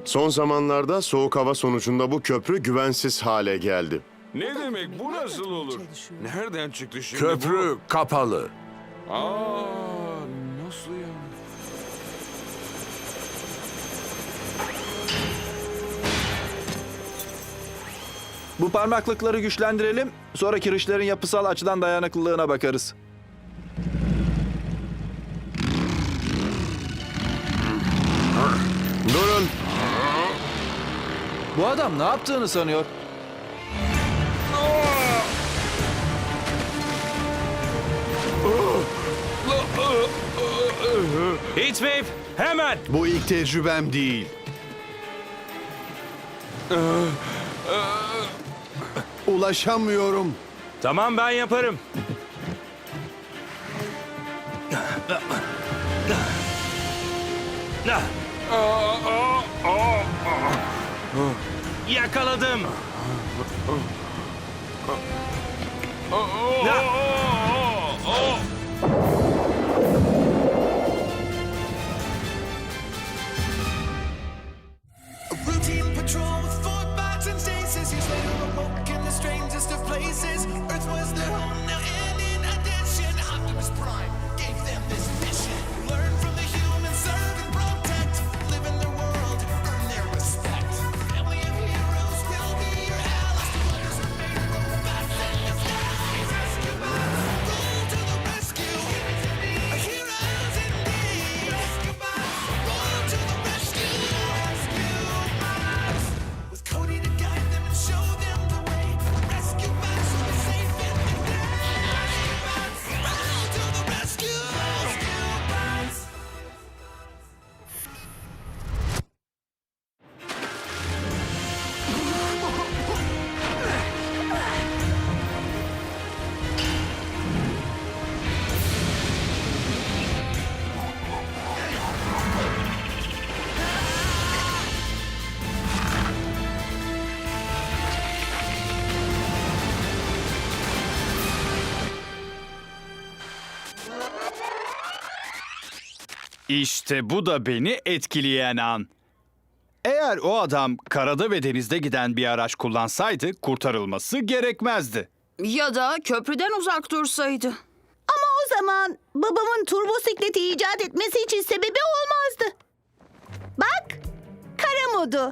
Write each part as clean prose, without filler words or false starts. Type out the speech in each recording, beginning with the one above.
Son zamanlarda soğuk hava sonucunda bu köprü güvensiz hale geldi. Ne demek bu nasıl olur? Nereden çıktı şimdi Köprü kapalı. bu? Aa, nasıl yani? Bu parmaklıkları güçlendirelim, sonra kirişlerin yapısal açıdan dayanıklılığına bakarız. Durun! Bu adam ne yaptığını sanıyor? Heatwave, hemen! Bu ilk tecrübem değil. Ulaşamıyorum. Tamam, ben yaparım. Yakaladım. A routine patrol with fork box and stasis. Years later, awoke in the strangest of places. Earth was their home now, and in addition, Optimus Prime gave them this mission: learn from the humans, serve and protect, live in their world, earn their respect. Family of heroes will be your allies. Players are made robots in disguise. Rescue bots, roll to the rescue. Heroes indeed. Rescue bots, roll to the rescue. With Cody to guide them and show them the way. Rescue bots will be safe in the day. Rescue bots, roll to the rescue. Rescue bots. İşte bu da beni etkileyen an. Eğer o adam karada ve denizde giden bir araç kullansaydı kurtarılması gerekmezdi. Ya da köprüden uzak dursaydı. Ama o zaman babamın turbosikleti icat etmesi için sebebi olmazdı. Bak, kara modu.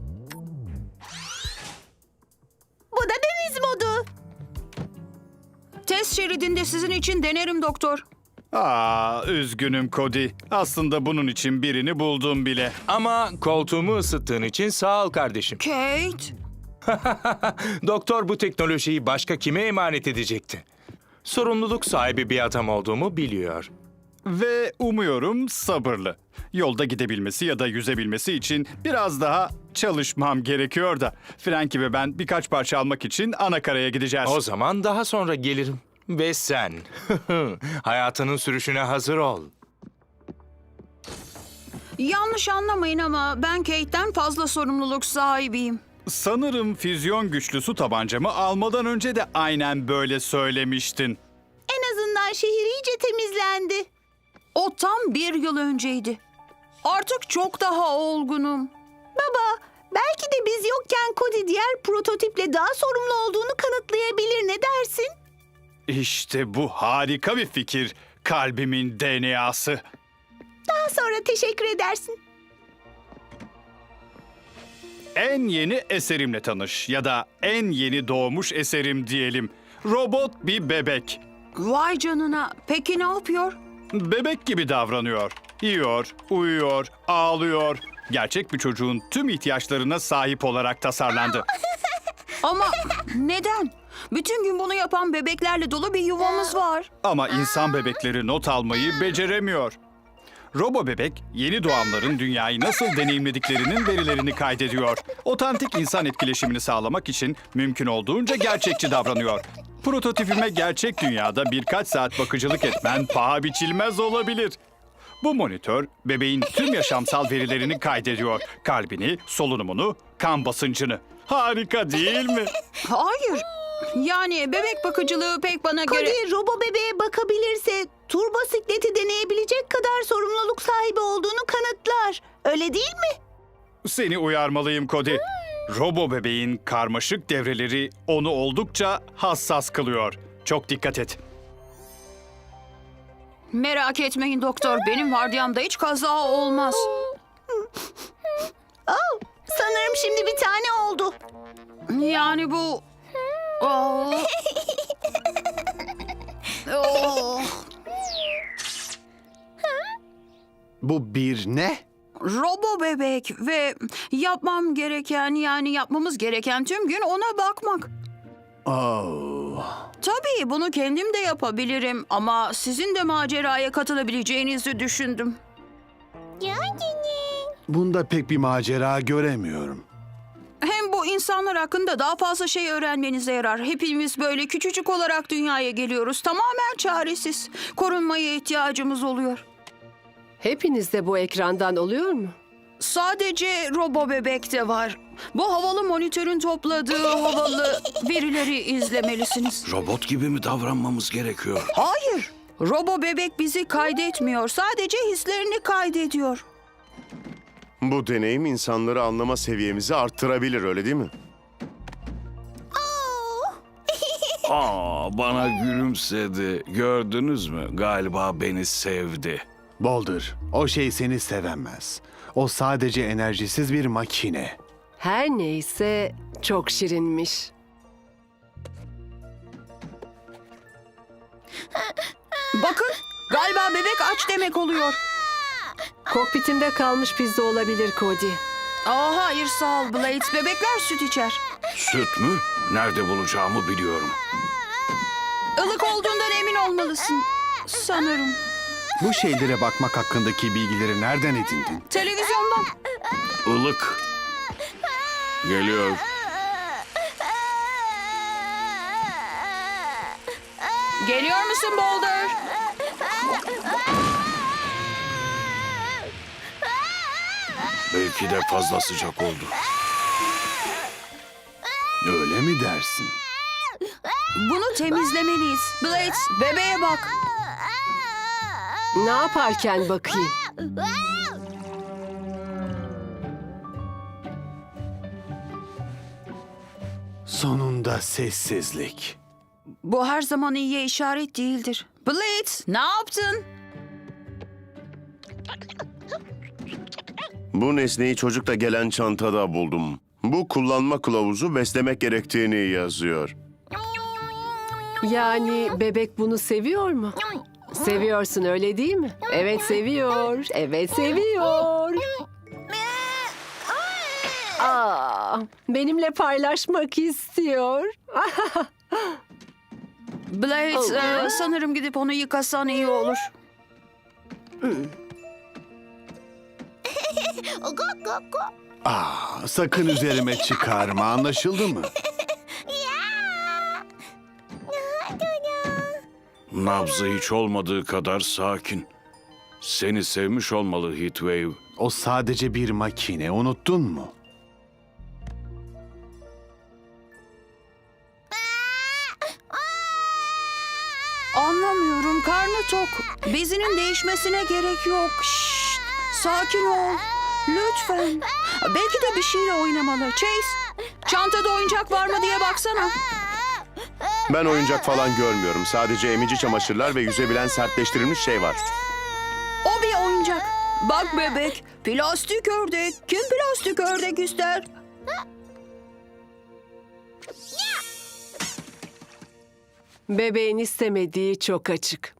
Bu da deniz modu. Test şeridinde sizin için denerim doktor. Üzgünüm Cody. Aslında bunun için birini buldum bile. Ama koltuğumu ısıttığın için sağ ol kardeşim. Kate. Doktor bu teknolojiyi başka kime emanet edecekti? Sorumluluk sahibi bir adam olduğumu biliyor. Ve umuyorum sabırlı. Yolda gidebilmesi ya da yüzebilmesi için biraz daha çalışmam gerekiyor da. Frankie ve ben birkaç parça almak için anakaraya gideceğiz. O zaman daha sonra gelirim. Ve sen hayatının sürüşüne hazır ol. Yanlış anlamayın ama ben Kate'den fazla sorumluluk sahibiyim. Sanırım füzyon güçlü su tabancamı almadan önce de aynen böyle söylemiştin. En azından şehir iyice temizlendi. O tam 1 yıl önceydi. Artık çok daha olgunum. Baba, belki de biz yokken Cody diğer prototiple daha sorumlu olduğunu kanıtlayabilir. Ne dersin? İşte bu harika bir fikir. Kalbimin DNA'sı. Daha sonra teşekkür edersin. En yeni eserimle tanış ya da en yeni doğmuş eserim diyelim. Robot bir bebek. Vay canına. Peki ne yapıyor? Bebek gibi davranıyor. Yiyor, uyuyor, ağlıyor. Gerçek bir çocuğun tüm ihtiyaçlarına sahip olarak tasarlandı. Ama neden? Bütün gün bunu yapan bebeklerle dolu bir yuvamız var. Ama insan bebekleri not almayı beceremiyor. Robo bebek, yeni doğanların dünyayı nasıl deneyimlediklerinin verilerini kaydediyor. Otantik insan etkileşimini sağlamak için mümkün olduğunca gerçekçi davranıyor. Prototipime gerçek dünyada birkaç saat bakıcılık etmen paha biçilmez olabilir. Bu monitör bebeğin tüm yaşamsal verilerini kaydediyor. Kalbini, solunumunu, kan basıncını. Harika değil mi? Hayır. Yani bebek bakıcılığı pek bana göre... Cody robo bebeğe bakabilirse turbosikleti deneyebilecek kadar sorumluluk sahibi olduğunu kanıtlar. Öyle değil mi? Seni uyarmalıyım Cody. Robo bebeğin karmaşık devreleri onu oldukça hassas kılıyor. Çok dikkat et. Merak etmeyin doktor. Benim vardiyamda hiç kaza olmaz. Oh, sanırım şimdi bir tane oldu. Yani bu... Oh. Oh. Bu bir ne? Robo bebek ve yapmamız gereken tüm gün ona bakmak. Oh. Tabii bunu kendim de yapabilirim ama sizin de maceraya katılabileceğinizi düşündüm. Bunda pek bir macera göremiyorum. Hem bu insanlar hakkında daha fazla şey öğrenmenize yarar. Hepimiz böyle küçücük olarak dünyaya geliyoruz. Tamamen çaresiz. Korunmaya ihtiyacımız oluyor. Hepinizde bu ekrandan oluyor mu? Sadece Robo Bebek'te var. Bu havalı monitörün topladığı havalı verileri izlemelisiniz. Robot gibi mi davranmamız gerekiyor? Hayır. Robo Bebek bizi kaydetmiyor. Sadece hislerini kaydediyor. Bu deneyim insanları anlama seviyemizi arttırabilir, öyle değil mi? Bana gülümsedi. Gördünüz mü? Galiba beni sevdi. Boulder, o şey seni sevemez. O sadece enerjisiz bir makine. Her neyse çok şirinmiş. Bakın, galiba bebek aç demek oluyor. Kokpitimde kalmış pizza olabilir Cody. Hayır sağ ol Blades. Bebekler süt içer. Süt mü? Nerede bulacağımı biliyorum. Ilık olduğundan emin olmalısın. Sanırım. Bu şeylere bakmak hakkındaki bilgileri nereden edindin? Televizyondan. Ilık. Geliyor. Geliyor musun Boulder? Belki de fazla sıcak oldu. Öyle mi dersin? Bunu temizlemeliyiz. Blades, bebeğe bak. Ne yaparken bakayım? Sonunda sessizlik. Bu her zaman iyiye işaret değildir. Blades, ne yaptın? Bu nesneyi çocukla gelen çantada buldum. Bu kullanma kılavuzu beslemek gerektiğini yazıyor. Yani bebek bunu seviyor mu? Seviyorsun öyle değil mi? Evet seviyor. Evet seviyor. Benimle paylaşmak istiyor. Blades, sanırım gidip onu yıkasan iyi olur. Sakın üzerime çıkarma, anlaşıldı mı? Nabzı hiç olmadığı kadar sakin. Seni sevmiş olmalı Heatwave. O sadece bir makine, unuttun mu? Anlamıyorum, karnı tok. Bezinin değişmesine gerek yok. Şşt, sakin ol. Lütfen. Belki de bir şeyle oynamalı. Chase, çantada oyuncak var mı diye baksana. Ben oyuncak falan görmüyorum. Sadece emici çamaşırlar ve yüzebilen sertleştirilmiş şey var. O bir oyuncak. Bak bebek, plastik ördek. Kim plastik ördek ister? Bebeğin istemediği çok açık.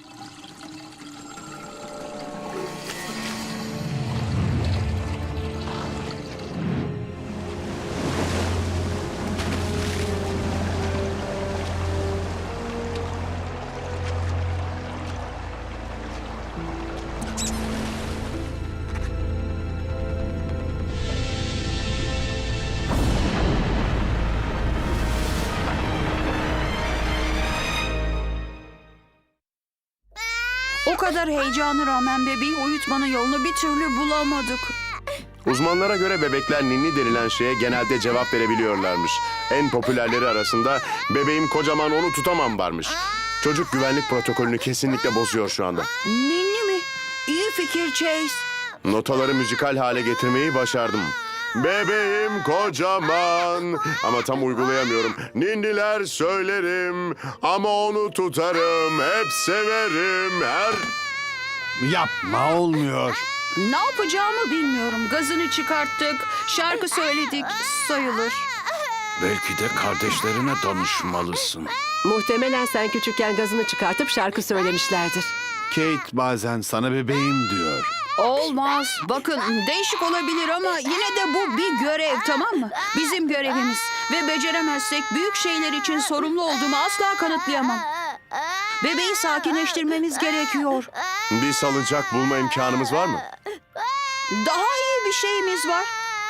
O kadar heyecana rağmen bebeği uyutmanın yolunu bir türlü bulamadık. Uzmanlara göre bebekler ninni denilen şeye genelde cevap verebiliyorlarmış. En popülerleri arasında bebeğim kocaman onu tutamam varmış. Çocuk güvenlik protokolünü kesinlikle bozuyor şu anda. Ninni mi? İyi fikir Chase. Notaları müzikal hale getirmeyi başardım. Bebeğim kocaman ama tam uygulayamıyorum. Ninniler söylerim ama onu tutarım. Hep severim her... Yapma, olmuyor. Ne yapacağımı bilmiyorum. Gazını çıkarttık, şarkı söyledik, sayılır. Belki de kardeşlerine danışmalısın. Muhtemelen sen küçükken gazını çıkartıp şarkı söylemişlerdir. Kate bazen sana bebeğim diyor. Olmaz. Bakın değişik olabilir ama yine de bu bir görev, tamam mı? Bizim görevimiz. Ve beceremezsek büyük şeyler için sorumlu olduğumu asla kanıtlayamam. Bebeği sakinleştirmemiz gerekiyor. Bir salıncak bulma imkanımız var mı? Daha iyi bir şeyimiz var.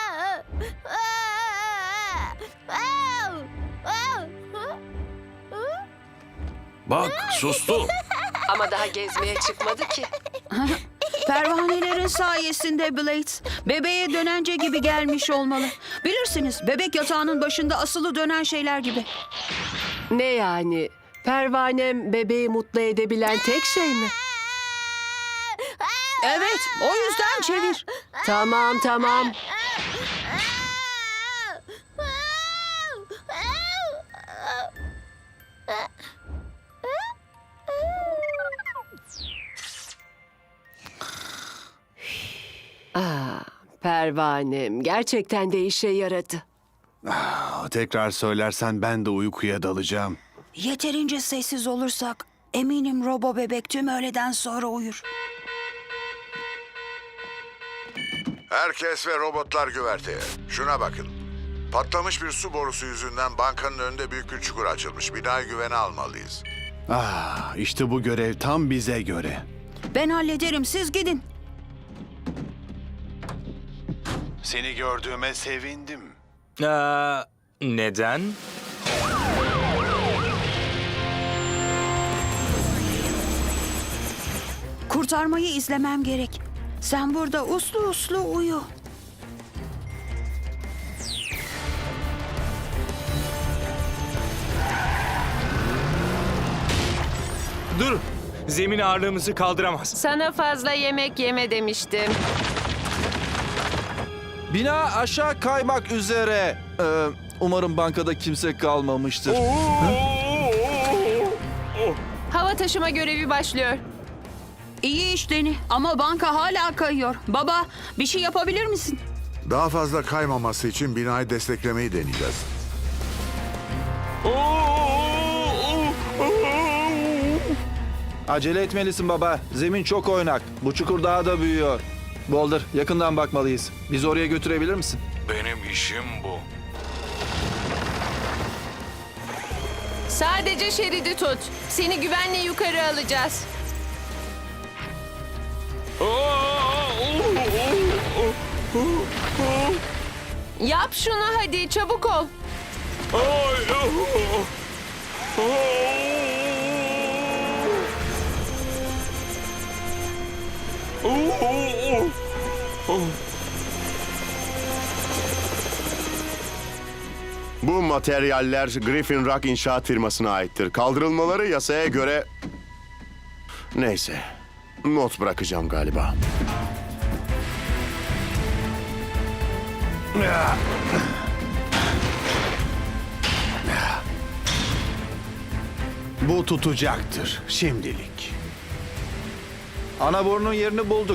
Bak, sustu. Ama daha gezmeye çıkmadı ki. Pervanelerin sayesinde Blades. Bebeğe dönence gibi gelmiş olmalı. Bilirsiniz, bebek yatağının başında asılı dönen şeyler gibi. Ne yani? Pervanem bebeği mutlu edebilen tek şey mi? Evet, o yüzden çevir. Tamam. Pervanem gerçekten de işe yaradı. Tekrar söylersen ben de uykuya dalacağım. Yeterince sessiz olursak eminim Robo bebek tüm öğleden sonra uyur. Herkes ve robotlar güverteye. Şuna bakın. Patlamış bir su borusu yüzünden bankanın önünde büyük bir çukur açılmış. Binayı güvene almalıyız. İşte bu görev tam bize göre. Ben hallederim, siz gidin. Seni gördüğüme sevindim. Neden? Kurtarmayı izlemem gerek. Sen burada uslu uslu uyu. Dur! Zemin ağırlığımızı kaldıramaz. Sana fazla yemek yeme demiştim. Bina aşağı kaymak üzere. Umarım bankada kimse kalmamıştır. Hava taşıma görevi başlıyor. İyi iş Deni ama banka hala kayıyor. Baba, bir şey yapabilir misin? Daha fazla kaymaması için binayı desteklemeyi deneyeceğiz. Acele etmelisin baba. Zemin çok oynak. Bu çukur daha da büyüyor. Boulder, yakından bakmalıyız. Bizi oraya götürebilir misin? Benim işim bu. Sadece şeridi tut. Seni güvenle yukarı alacağız. Yap şunu hadi, çabuk ol. Bu materyaller Griffin Rock inşaat firmasına aittir. Kaldırılmaları yasaya göre... Neyse. Not bırakacağım galiba. Bu tutacaktır şimdilik. Ana borunun yerini bulduk.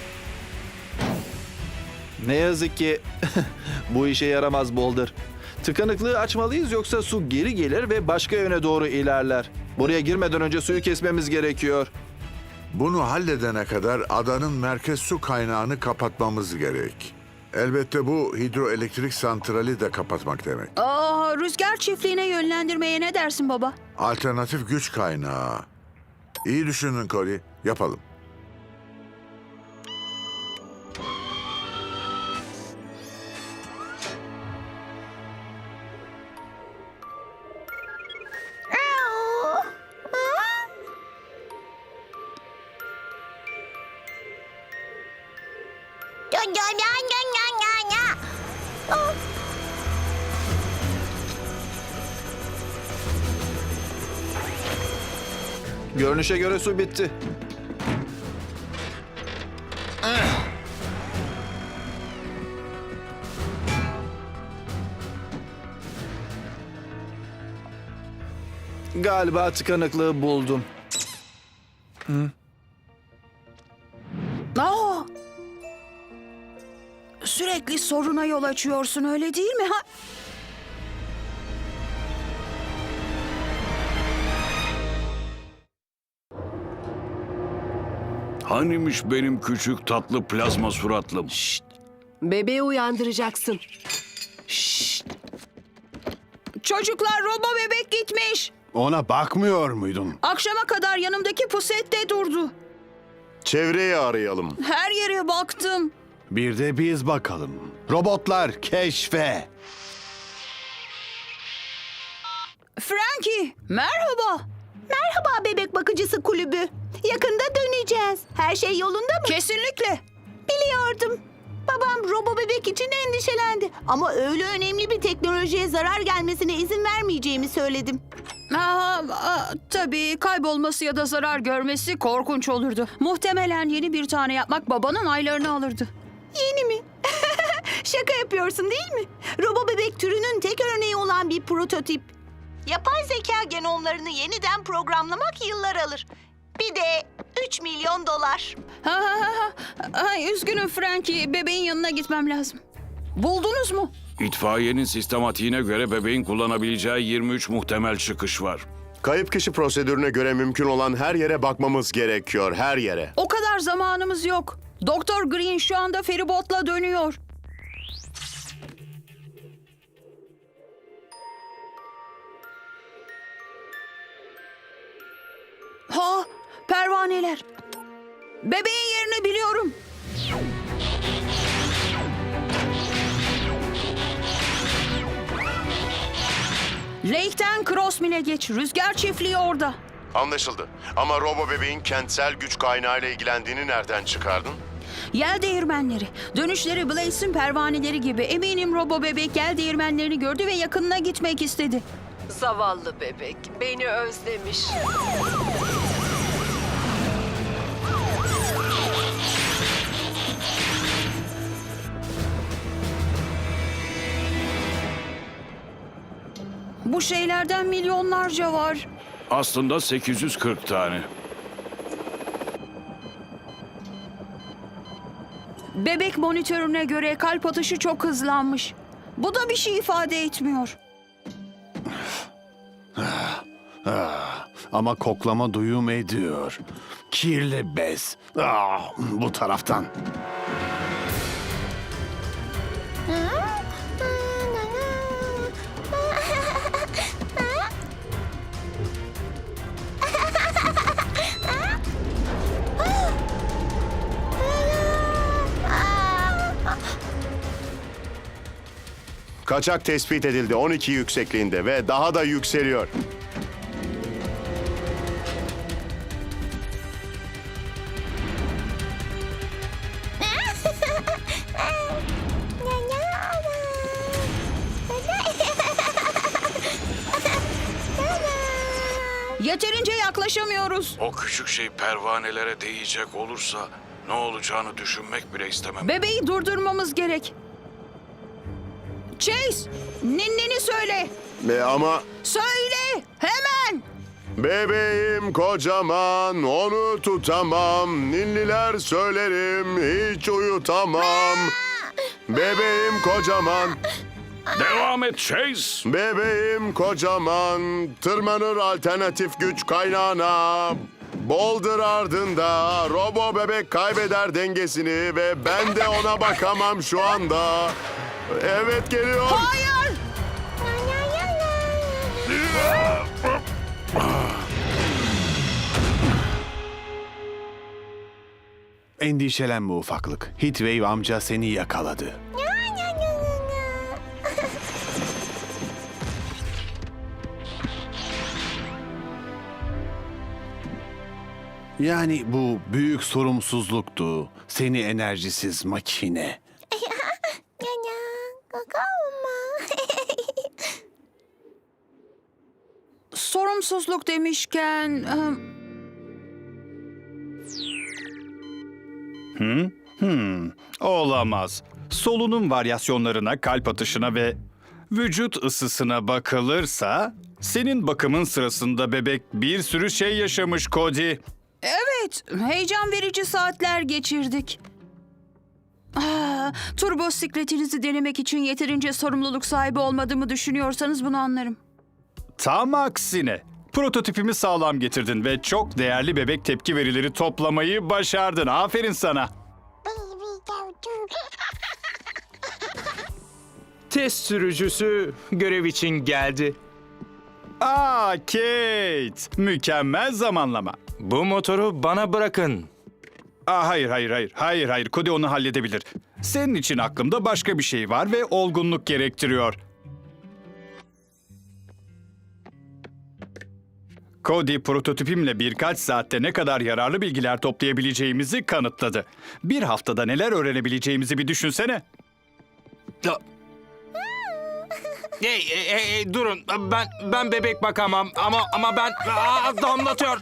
Ne yazık ki bu işe yaramaz Boulder. Tıkanıklığı açmalıyız yoksa su geri gelir ve başka yöne doğru ilerler. Buraya girmeden önce suyu kesmemiz gerekiyor. Bunu halledene kadar adanın merkez su kaynağını kapatmamız gerek. Elbette bu hidroelektrik santrali de kapatmak demek. Rüzgar çiftliğine yönlendirmeye ne dersin baba? Alternatif güç kaynağı. İyi düşünün Cody. Yapalım. Görünüşe göre su bitti. Galiba tıkanıklığı buldum. Aa! Sürekli soruna yol açıyorsun, öyle değil mi? Ha? Hanimiş benim küçük tatlı plazma suratlım? Bebeği uyandıracaksın. Çocuklar, Robo bebek gitmiş. Ona bakmıyor muydun? Akşama kadar yanımdaki pusette durdu. Çevreyi arayalım. Her yere baktım. Bir de biz bakalım. Robotlar keşfe. Frankie, merhaba. Merhaba bebek bakıcısı kulübü. Yakında döneceğiz. Her şey yolunda mı? Kesinlikle. Biliyordum. Babam robo bebek için endişelendi. Ama öyle önemli bir teknolojiye zarar gelmesine izin vermeyeceğimi söyledim. Tabii kaybolması ya da zarar görmesi korkunç olurdu. Muhtemelen yeni bir tane yapmak babanın aylarını alırdı. Yeni mi? Şaka yapıyorsun değil mi? Robo bebek türünün tek örneği olan bir prototip. Yapay zeka genomlarını yeniden programlamak yıllar alır. Bir de 3 milyon dolar. Üzgünüm Frankie, bebeğin yanına gitmem lazım. Buldunuz mu? İtfaiyenin sistematiğine göre bebeğin kullanabileceği 23 muhtemel çıkış var. Kayıp kişi prosedürüne göre mümkün olan her yere bakmamız gerekiyor, her yere. O kadar zamanımız yok. Doktor Green şu anda feribotla dönüyor. Pervaneler. Bebeğin yerini biliyorum. Lake'ten Crossmill'e geç. Rüzgar çiftliği orada. Anlaşıldı. Ama robo bebeğin kentsel güç kaynağıyla ilgilendiğini nereden çıkardın? Yel değirmenleri. Dönüşleri Blaze'in pervaneleri gibi. Eminim Robo bebek yel değirmenlerini gördü ve yakınına gitmek istedi. Zavallı bebek beni özlemiş. Bu şeylerden milyonlarca var. Aslında 840 tane. Bebek monitörüne göre kalp atışı çok hızlanmış. Bu da bir şey ifade etmiyor. Ama koklama duyum ediyor. Kirli bez. Bu taraftan. Kaçak tespit edildi 12 yüksekliğinde ve daha da yükseliyor. Yeterince yaklaşamıyoruz. O küçük şey pervanelere değecek olursa ne olacağını düşünmek bile istemem. Bebeği durdurmamız gerek. Chase, ninnini söyle. Ama Söyle, hemen. bebeğim kocaman, onu tutamam. Ninniler söylerim, hiç uyutamam. Bebeğim kocaman, Devam et Chase. bebeğim kocaman. Tırmanır alternatif güç kaynağına. Boulder ardında robo bebek kaybeder dengesini ve ben de ona bakamam şu anda. Evet geliyor. Hayır. Endişelenme ufaklık. Heatwave amca seni yakaladı. Yani bu büyük sorumsuzluktu. Seni enerjisiz makine. Sorumsuzluk demişken... Olamaz. Solunum varyasyonlarına, kalp atışına ve vücut ısısına bakılırsa Senin bakımın sırasında bebek bir sürü şey yaşamış Cody. Evet, heyecan verici saatler geçirdik. Turbo sikletinizi denemek için yeterince sorumluluk sahibi olmadığımı düşünüyorsanız bunu anlarım. Tam aksine. Prototipimi sağlam getirdin ve çok değerli bebek tepki verileri toplamayı başardın. Aferin sana. Test sürücüsü görev için geldi. Kate. Mükemmel zamanlama. Bu motoru bana bırakın. Hayır. Cody onu halledebilir. Senin için aklımda başka bir şey var ve olgunluk gerektiriyor. Cody prototipimle birkaç saatte ne kadar yararlı bilgiler toplayabileceğimizi kanıtladı. Bir haftada neler öğrenebileceğimizi bir düşünsene. Hey, durun. Ben bebek bakamam ama ben damlatıyor.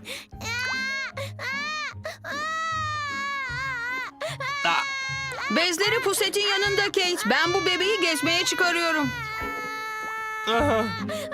Bezleri pusetin yanında Kate. Ben bu bebeği gezmeye çıkarıyorum.